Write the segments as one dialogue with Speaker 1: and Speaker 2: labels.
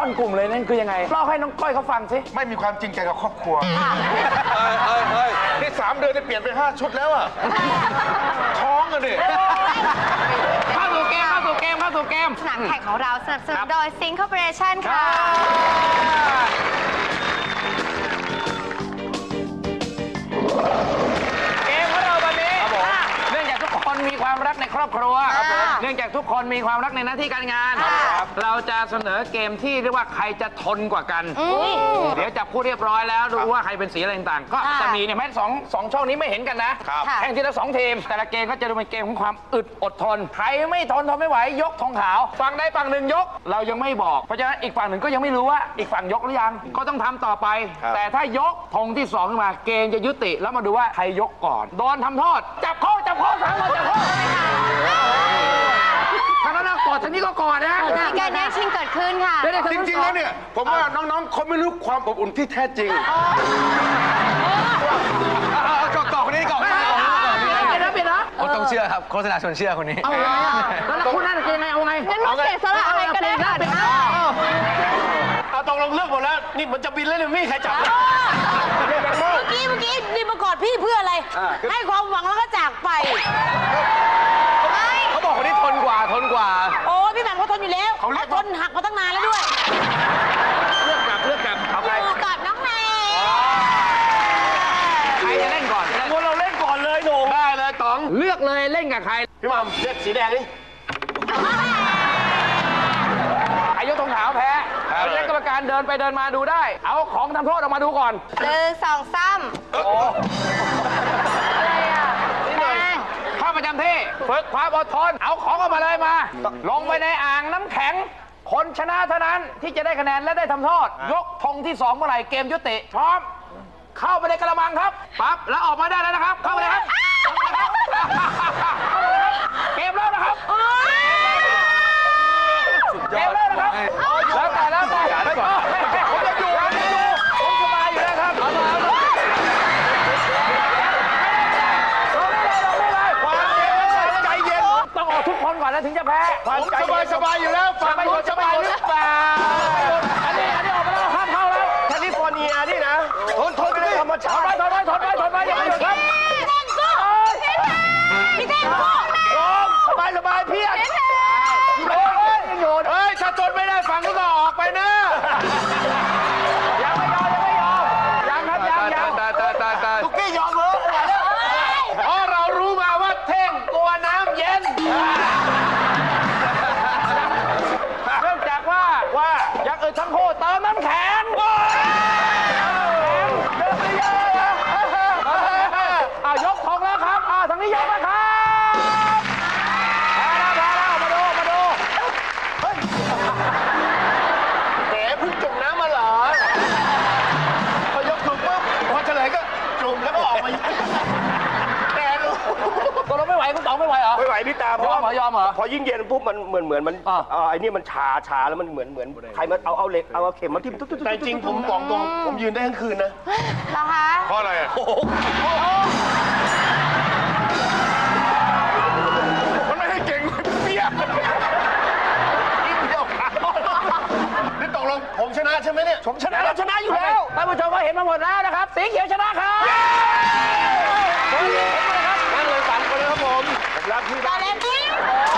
Speaker 1: งกลุ่มเลยนั่นคือยังไงเล่าให้น้องก้อยเขาฟังสิ
Speaker 2: ไม่มีความจริงใจกับครอบครัวนี่3 เดือนได้เปลี่ยนไป5 ชุดแล้วอ่ะท้องกันดิ
Speaker 1: เข้าสู่เกม
Speaker 3: สนามแข่งของเราสนับสนุนโดย Sync Corporation ค่ะ
Speaker 1: เกมของเราวันนี้เนื่องจากทุกคนมีความรักในครอบครัวเนื่องจากทุกคนมีความรักในหน้าที่การงานเราจะเสนอเกมที่เรียกว่าใครจะทนกว่ากันเดี๋ยวจับคู่เรียบร้อยแล้วดูว่าใครเป็นสีอะไรต่างๆก็จะมีเนี่ยแม้สองช่องนี้ไม่เห็นกันนะแข่งทีละ2 ทีมแต่ละเกมก็จะดูเป็นเกมของความอึดอดทนใครไม่ทนไม่ไหวยกธงขาวฝั่งใดฝั่งหนึ่งยกเรายังไม่บอกเพราะฉะนั้นอีกฝั่งหนึ่งก็ยังไม่รู้ว่าอีกฝั่งยกหรือยังก็ต้องทำต่อไปแต่ถ้ายกธงที่2ขึ้นมาเกมจะยุติแล้วมาดูว่าใครยกก่อนโดนทำโทษจับข้อ3 คนจับข้อทางนั้นกอดทางนี้ก็กอดนะ
Speaker 3: มีการแย่งชิงเกิดขึ้นค่ะ
Speaker 2: จริงๆแล้วเนี่ยผมว่าน้องๆเขาไม่รู้ความอบอุ่นที่แท้จริง
Speaker 1: กอดคนนี้กอดคนนี้เปลี่ยนนะ
Speaker 4: คนต้องเชื่อครับโฆษณาชวนเชื่อคนนี้
Speaker 1: เอาไงอ่ะแล้วคุณนั่นจะยังไงเอาไง
Speaker 3: งั้นเราเสียสละอะไรกันได้ค่ะ
Speaker 2: ตกลงเลือกหมดแล้วนี่มันจะบินแล้วเนี่ยไม่มีใครจับ
Speaker 5: เมื่อกี้นี่มากอดพี่เพื่ออะไรให้ความหวังแล้วก็จากไป
Speaker 4: เขาบอกคนนี้ทนกว่า
Speaker 5: โอ้พี่แหม่มเขาทนอยู่แล้วเขาทนหักมาตั้งนานแล้วด้วย
Speaker 1: เลือกกลับเอาใคร
Speaker 3: กับน้องแม่
Speaker 1: ใครจะเล่นก่อน
Speaker 2: เราเล่นก่อนเลยโหน่ง
Speaker 1: ได้เลยต๋องเลือกเลยเล่นกับใคร
Speaker 2: พี่มัมเลือกสีแดงนี่
Speaker 1: อายุธงขาวแพ้เล่นกรรมการเดินไปเดินมาดูได้เอาของทำโทษออกมาดูก่อน
Speaker 3: 1 2 3อะไรอ่ะ
Speaker 1: เข้าประจำที่ฝึกความอดทนเอาของออกมาเลยมาลงไปในอ่างน้ำแข็งคนชนะเท่านั้นที่จะได้คะแนนและได้ทำโทษยกธงที่2เมื่อไหร่เกมยุติพร้อมเข้าไปในกระมังครับปั๊บแล้วออกมาได้แล้วนะครับเข้าไปเลยครับเกมแล้วนะครับเกมแล้วนะครับแล้วแต่ผมจะอยู่ผมสบายอยู่แล้วครับ
Speaker 2: ใจเย็น
Speaker 1: ต้องออกทุกคนก่อนแล้วถึงจะแพ้
Speaker 2: ผมสบายอยู่แล้วฟังผมสบายหรือเปล่า
Speaker 1: อันนี้ออกมาแล้วห้ามเข้าแล้ว
Speaker 2: แคลิฟอร์เนียนี่นะทนไม่ธรรมชาติ
Speaker 1: ถอนไปอย่าไปหยุดครับ
Speaker 3: พี่เต้นสู้
Speaker 2: สบายพี่เฮ้ยถ้าทนไม่ได้ฟังก็ออกไปนะ
Speaker 1: ยังไม่ยอมยัง
Speaker 2: ทุกกี้ยอมเหรอเพราะเรารู้มาว่าเท่งกลัวน้ำเย็น
Speaker 1: เนื่องจากว่าอย่างอื่นทั้งคู่เติมน้ำแข็งยกของแล้วครับทางนี้ยกแล้วครับแพ้แล้วมาดู
Speaker 2: เฮ้ยแหมเพิ่งจุ่มน้ำมาเหรอพอยกจุ่มปุ๊บพอเฉลยก็จุ่มแล้วก็ออกมาแต่รู้
Speaker 1: ก็เราไม่ไหวคุณต๋องไม่ไหวเหรอ
Speaker 2: ไม่ไหวพี่ตาเพราะ
Speaker 1: ยอมเหรอ
Speaker 2: พอยิ่งเย็นปุ๊บมันเหมือนมันไอ้นี่มันชาแล้วมันเหมือนใครมาเอาเหล็กเอาเข็มมาทิ่มตุ๊ดแต่จริงผมบอกตรงผมยืนได้ทั้งคืนนะ
Speaker 3: เหรอคะ
Speaker 2: เพราะอะไรมันไม่ให้เก่งเปี้ยนี่ตกลงผมชนะใช่ไหมเนี่ยผมชนะแล้วชนะอยู่แล้ว
Speaker 1: ท่านผู้ชมก็เห็นมาหมดแล้วนะครับสีเขียวชนะครับ
Speaker 2: นั่นเลยฝันไปเลยครับผมรักพี่
Speaker 3: ตาเล่นจริง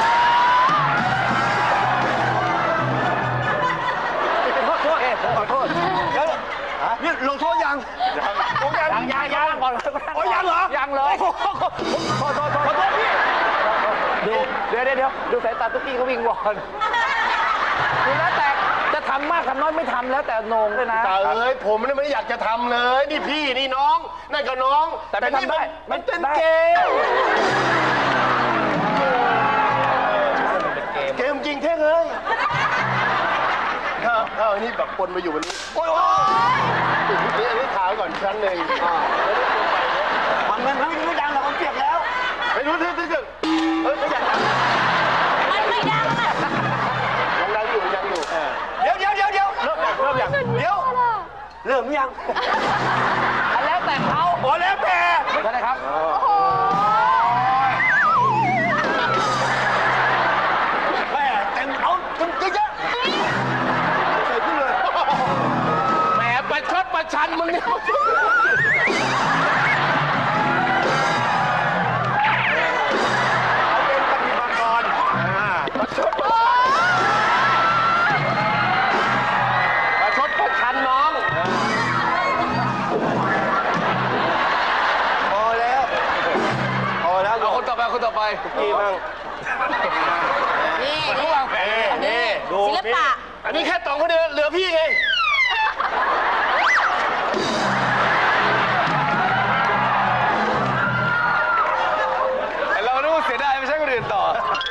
Speaker 2: ขอโทษนี่ลงโทษยัง
Speaker 1: ก่อน
Speaker 2: ยังเหรอ
Speaker 1: ยังเลยขอโทษพี่เดี๋ยวดูสายตาตุ๊กกี้เขาวิ่งวอนดูแล้วแต่จะทำมากทำน้อยไม่ทำแล้วแต่โหน่งด้วยนะ
Speaker 2: แต่ผมไม่ได้อยากจะทำเลยนี่พี่นี่น้องนั่นก็น้อง
Speaker 1: แต่นี่
Speaker 2: มันเป็นเกมจริงเท่เลยนี่แบบปนมาอยู่วันนี้โอ้ยนี่ขาก่อนชั้นหนึ่งมันไม่ดังหรอกมันเปียกแล้วไม่รู้ที่ไม่อยากดัง
Speaker 3: มันไม่ดังอ่ะ
Speaker 2: ยังอยู่เดี๋ยวเริ่มยัง
Speaker 1: แล้วแต่เขา
Speaker 2: แล้วแต่
Speaker 1: ใช่ไหมครับ
Speaker 2: แม่เต็มเอาเยอะใส่ขึ้นเลย
Speaker 1: พันมึงเนี่ย
Speaker 2: เอาเป็นปฏิบัติกรประชดประชันน้อง พอแล้ว พอแล้ว
Speaker 4: เอาคนต่อไปคนต่อไป
Speaker 2: กี่บ้าง
Speaker 5: นี่
Speaker 1: ระหว่างแผล
Speaker 2: นี่ดู
Speaker 5: ศิลปะ
Speaker 2: อันนี้แค่2คนเดียวเหลือพี่ไง
Speaker 4: เราดูเสียดายไม่ใช่คนอื่นต่อ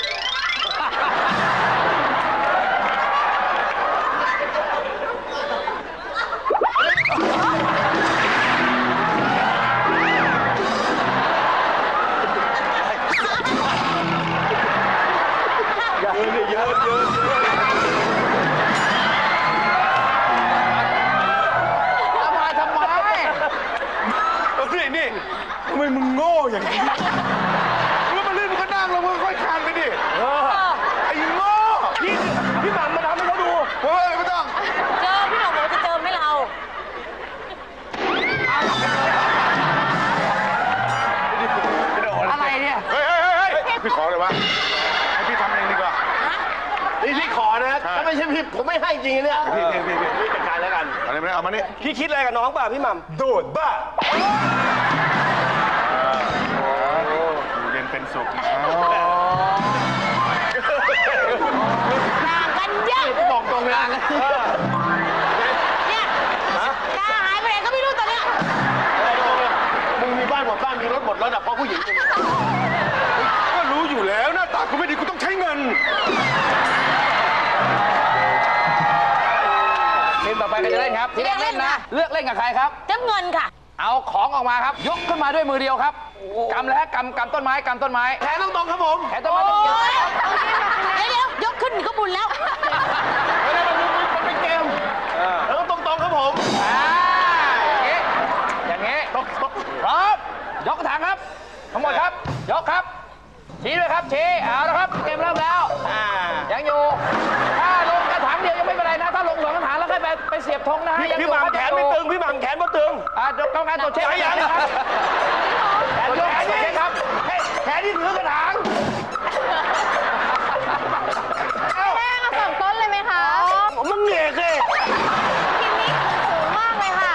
Speaker 2: เยอะเยอะ
Speaker 1: ทำไม
Speaker 2: นี่ทำไมมึงโง่อย่างนี้แล้วมาเล่นมึงก็นั่งแล้วมึงค่อยคานไปดิไอ้โง่พี่หม่ำมาทำให้เขาดูเฮ้ยไม่ต้อง
Speaker 5: เจอพี่หน่องบอกจะเจอไม่เรา
Speaker 1: อะไรเนี่ย
Speaker 2: เฮ้ยพี่ขอเลยวะให้พี่ทำเองดีกว่านี่พี่ขอนะถ้าไม่ใช่พี่ผมไม่ให้จริงเนี่ยพี่จัดการแล้วกันอะไรไม่ได้เอามานี่พี่คิดอะไรกับน้องป่ะพี่หม่ำโดดบ้าเรียนเป็นสุข
Speaker 5: ต่างกันเยอะ
Speaker 2: บอกตรงเลย
Speaker 5: เนี่ยตาหายไปไหนก็ไม่รู้ตอนเนี้ย
Speaker 2: มึงมีบ้านหมดบ้านมีรถหมดแล้วนะเพราะผู้หญิงก็รู้อยู่แล้วหน้าตากูไม่ดีกูต้องใช้เงิน
Speaker 1: ทีมต่อไปใครจะเล่นครับทีแรกเล่นนะ เลือกเล่นกับใครครับ
Speaker 5: จะเงินค่ะ
Speaker 1: เอาของออกมาครับ ยกขึ้นมาด้วยมือเดียวครับกำแล้วกำต้นไม้กำต้นไม้
Speaker 2: แขนตรงๆครับผม
Speaker 1: แขนต้นไม้ต้องเกี่ยว
Speaker 5: เดี๋ยวยกขึ้นก็บุญแล้ว
Speaker 2: ไม่ได้มันเป็นเกมแล้วก็ตรงๆครับผม
Speaker 1: อย่างงี้พร้อมยกกระถางครับ ทั้งหมดครับ ยกครับชี้เลยครับชี้เอาแล้วครับเกมเริ่มแล้วยังอยู่ถ้าลงกระถางเดียวยังไม่เป็นไรนะถ้าลงสองกระถางแล้วค่อยไปเสียบธงนะฮะ
Speaker 2: พี่หม่ำแขนไม่ตึงพี่หม่ำแขนไม่ตึง
Speaker 1: กรรมการตรวจเช็คยังครับแขนยกตรวจเช็คครับ
Speaker 2: แขนนี่ถือกระถาง
Speaker 3: แม่มาสองต้นเลยไหมคะ
Speaker 2: มึงเหนื่อยเลย
Speaker 3: ทีมนี้สูงมากเลยค่ะ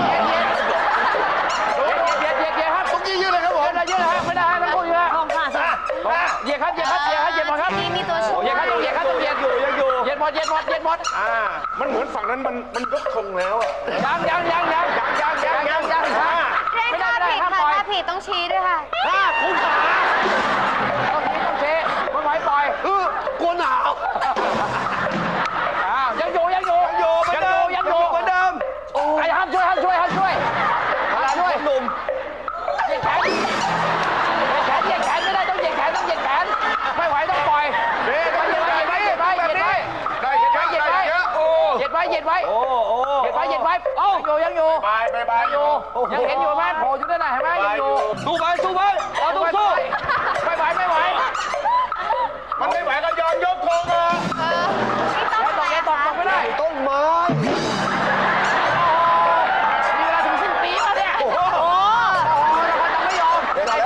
Speaker 1: เหยียดครับ
Speaker 2: ต้องยืดเลยครับผม
Speaker 1: เยอะเลยฮะไม่ได้ฮะต้องพูดเยอะ
Speaker 5: ทองค่ะสิ
Speaker 1: เหยียดครับเหยียดหมดครับ
Speaker 3: ทีมมีตัวช่วย
Speaker 1: เหยียดครับต้องเหยียดหมด
Speaker 2: มันเหมือนฝั่งนั้นมันยกธงแล้วอะ
Speaker 1: ยัง
Speaker 3: เร่ง
Speaker 1: ไม่ได้
Speaker 3: ท่า
Speaker 1: ไม่ได้
Speaker 3: ผิด
Speaker 1: ห้าม
Speaker 3: ค่ะ
Speaker 1: ปล่อย
Speaker 3: ท่าผิดต้องชี้ด้วยค่ะ
Speaker 1: ต้องเชะไม่ไหวปล่อย
Speaker 2: กลัวหนาว
Speaker 1: ยังอยู่เหมือนเดิมไอ้ห้ามช่วยหนุ่มเหยียดแขนไม่ได้ต้องเหยียดแขนไม่ไหวต้องปล่อยเหยียดไว้เหยียดไว้โอ้เหยียดไว้ยังอยู่ยังเห็นอยู่ไหมโผล่อยู่นั่นน่ะเห็นไหมยังอยู่สู้ไปเราต้องสู้ไม่ไหว
Speaker 2: มันไม่ไหวก็ยอมยกธงมา
Speaker 3: นี่ต้อง
Speaker 1: ตกไม่ได้
Speaker 2: ต้นไม้
Speaker 1: มีเวลาถึงสิ้นปีแล้วเนี่ยเราจะไม่ยอม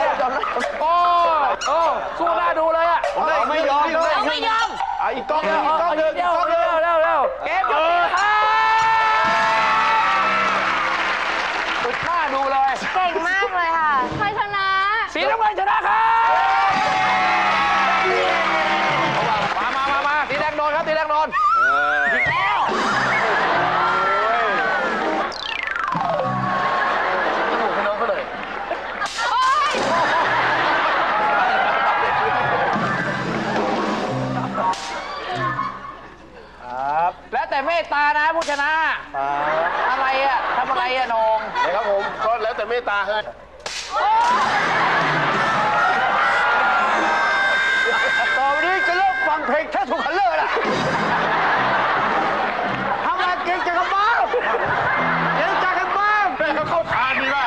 Speaker 1: โอ้สู้หน้าดูเลยอ่ะ
Speaker 2: ไม่ยอม
Speaker 5: ไม่ยอม
Speaker 2: อีกกล้องนึงเร็ว
Speaker 1: เกมจบสุดหน้าดูเลย
Speaker 3: เก่งมากเลยค่ะใครชนะ
Speaker 1: สีน้ำเงินชนะครับมาสีแดงโดนครับสีแดงโดนแล้วแต่เมตตานะผู้ชนะอะไรอ่ะทำอะไรอ่ะนง
Speaker 2: นะครับผมก็แล้วแต่เมตตาเฮ้ยต่อไปนี้จะเลิกฟังเพลงแค่ถูกคันเลอร์ละทำอะไรเก่งจังกันบ้างแม่เขาเข้าทานดีมาก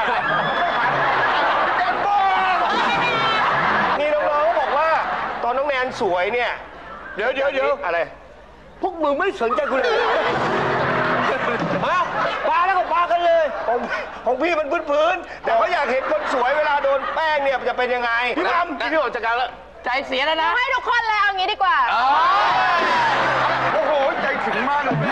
Speaker 2: นี่น้องๆก็บอกว่าตอนน้องแนนสวยเนี่ยเดี๋ยวอะไรพวกมึงไม่สนใจกูเลยฮะปาแล้วก็ปากันเลยของพี่มันพื้นๆแต่เขาอยากเห็นคนสวยเวลาโดนแป้งเนี่ยมันจะเป็นยังไงพี่ทำพี่ออกจากการแล้ว
Speaker 1: ใจเสียแล้วนะ
Speaker 3: ให้ทุกคนเลยเอางี้ดีกว่า
Speaker 2: โอ้โหใจถึงมากเลย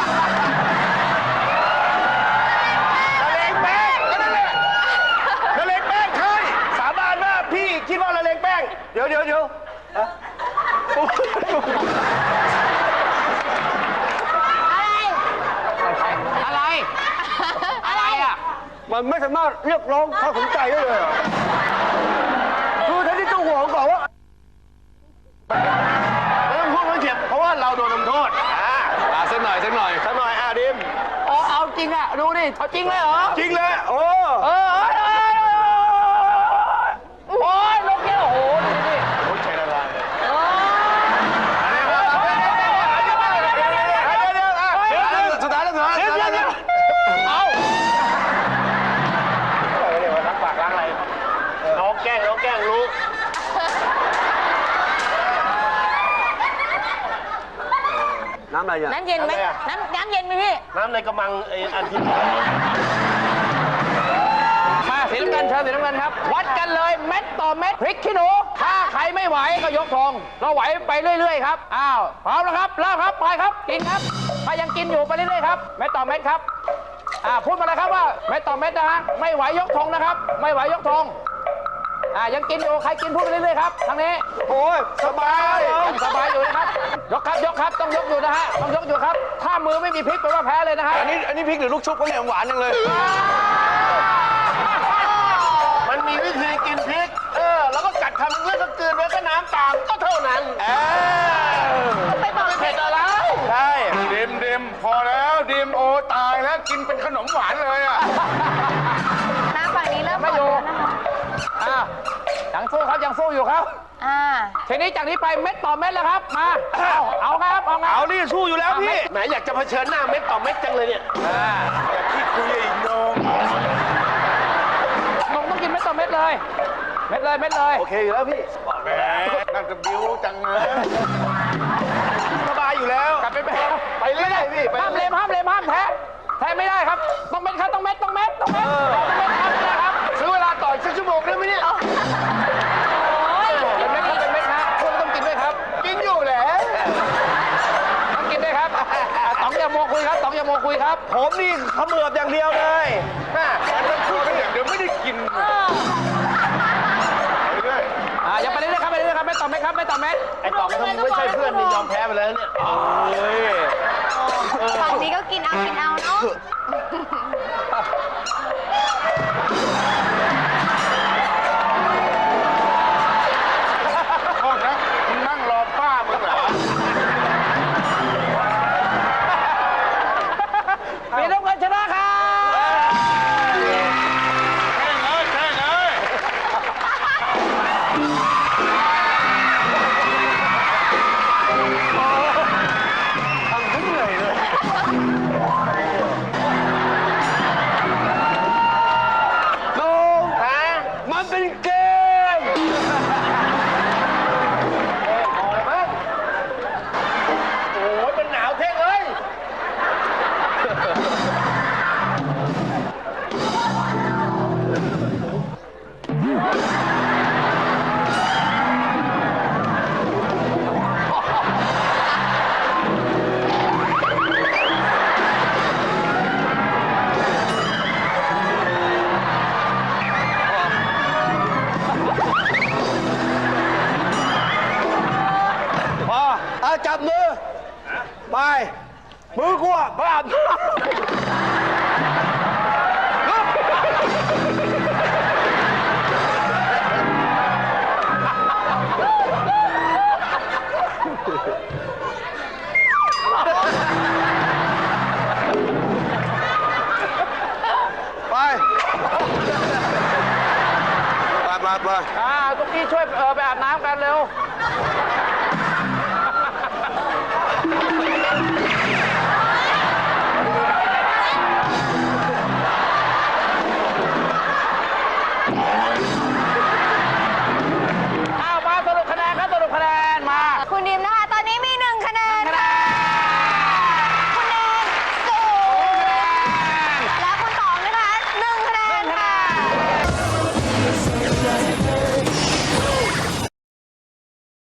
Speaker 2: ละเลงแป้งก็นั่นแหละละเลงแป้งใช่สาบานว่าพี่คิดว่าละเลงแป้งเดี๋ยว
Speaker 1: อะไร อะไรอ่ะ
Speaker 2: มันไม่สามารถเรียกร้องความสนใจได้เลยคือท่านที่เจ้าหัวเขาบอกว่าไม่ต้องพูดไม่เจ็บเพราะว่าเราโดนลงโทษ
Speaker 4: สักหน่อย
Speaker 2: สักหน่อยดิม
Speaker 1: เอาจริงอ่ะ ดูดิเอาจริงเลยเหรอ
Speaker 2: จริงเลยโอ้
Speaker 1: ยลงเยอะโอ้โหดูดิ
Speaker 2: โอ้ใจละลายสุดท้ายเอาล้างปากล้างอะไรน้องแกล้งรู้น้ำอะไรเนี่ย
Speaker 5: น้ำเย็นไหมน้ำเย็นไหมพี่
Speaker 2: น้ำในกระมังไอ้อันที่
Speaker 1: มาสีน้ำเงินเชิญสีน้ำเงินครับ วัดกันเลยเม็ดต่อเม็ดพริกขี้หนู ถ้าใครไม่ไหวก็ยกธงเราไหวไปเรื่อยๆครับ อ้าวพร้อมแล้วครับเริ่มครับไปครับกินครับถ้ายังกินอยู่ไปเรื่อยๆครับเม็ดต่อเม็ดครับพูดมาเลยครับว่าเม็ดต่อเม็ดนะฮะไม่ไหวยกธงนะครับไม่ไหวยกธงยังกินอยู่ใครกินพูดไปเรื่อยๆครับทางนี้
Speaker 2: โอ้ยสบาย
Speaker 1: ยังสบายอยู่นะครับยกครับต้องยกอยู่นะฮะต้องยกอยู่ครับถ้ามือไม่มีพริกแปลว่าแพ้เลยนะฮะ
Speaker 4: อันนี้พริกหรือลูกชุบก็เนี่ยหวานจังเลย
Speaker 2: มันมีวิธีกินพริกแล้วก็กัดคำนึงแล้วก็กลืนไว้ก็น้ำตามก็เท่านั้น
Speaker 3: ไปบอกเลย
Speaker 1: เผ็ดอะไร
Speaker 2: ใช่
Speaker 6: ดิมพอแล้วดิมโอตายแล้วกินเป็นขนมหวานเลยอ่ะ
Speaker 3: น้ำฝั่งนี้เริ่มหม
Speaker 1: ไม่
Speaker 3: ด
Speaker 1: อยู่
Speaker 3: แล้วนะคะ
Speaker 1: ยังสู้ครับยังสู้อยู่ครับทีนี้จากนี้ไปเม็ดต่อเม็ดแล้วครับมาเอาครับเอาไง
Speaker 2: เอานี่สู้อยู่แล้วพี่แหมอยากจะเผชิญหน้าเม็ดต่อเม็ดจังเลยเนี่ยอยากที่คุยอีกน้อง
Speaker 1: นมต้องกินเม็ดต่อเม็ดเลย เม็ดเลย
Speaker 2: โอเคอยู่แล้วพี่
Speaker 6: แหมนั่นจะบิ้วจังเลย
Speaker 2: สบายอยู่แล้ว
Speaker 1: กลับไป
Speaker 2: ไปเรื่อยพี่ไป
Speaker 1: ห้ามเลมห้ามแพ้ไม่ได้ครับต้องเม็ดครับต้องเม็ดครับนะครับ
Speaker 2: ซื้อเวลาต่ออีกสักชั่วโมงได้ไหมเนี่ย
Speaker 1: เป็นเม็ดครับคุณต้องกินด้วยครับ
Speaker 2: กินอยู่แหละ
Speaker 1: ต้องกินด้วยครับต๋องอย่าโมคุยครับ
Speaker 2: ผมนี่เขมือบอย่างเดียวเลยเดี๋ยวไม่ได้กินไปเรื่อย
Speaker 1: อย่าไปเรื่อยๆครับเม็ดต่อเม็ดครับเม็ดต่อเม็ด
Speaker 2: ไอ้ต่อถ้ามึงไม่ใช่เพื่อนนี่ยอมแพ้ไปแล้วเนี่ย
Speaker 3: ฝั่งนี้ก็กินเอาเนาะ
Speaker 6: โทษนะมึงนั่งรอป้ามึงเหรอ
Speaker 1: มีน้ำเงินชนะครับ
Speaker 6: แค่เลย
Speaker 2: ทำให้เหนื่อยเลย มันเป็นเกมพอแล้วมั้งโอ้ยมันหนาวเท่งเลยจับมือ ไป มือกูอ่ะไปอาบน้ำไป
Speaker 1: ตุ๊กกี้ช่วยไปอาบน้ำกันเร็ว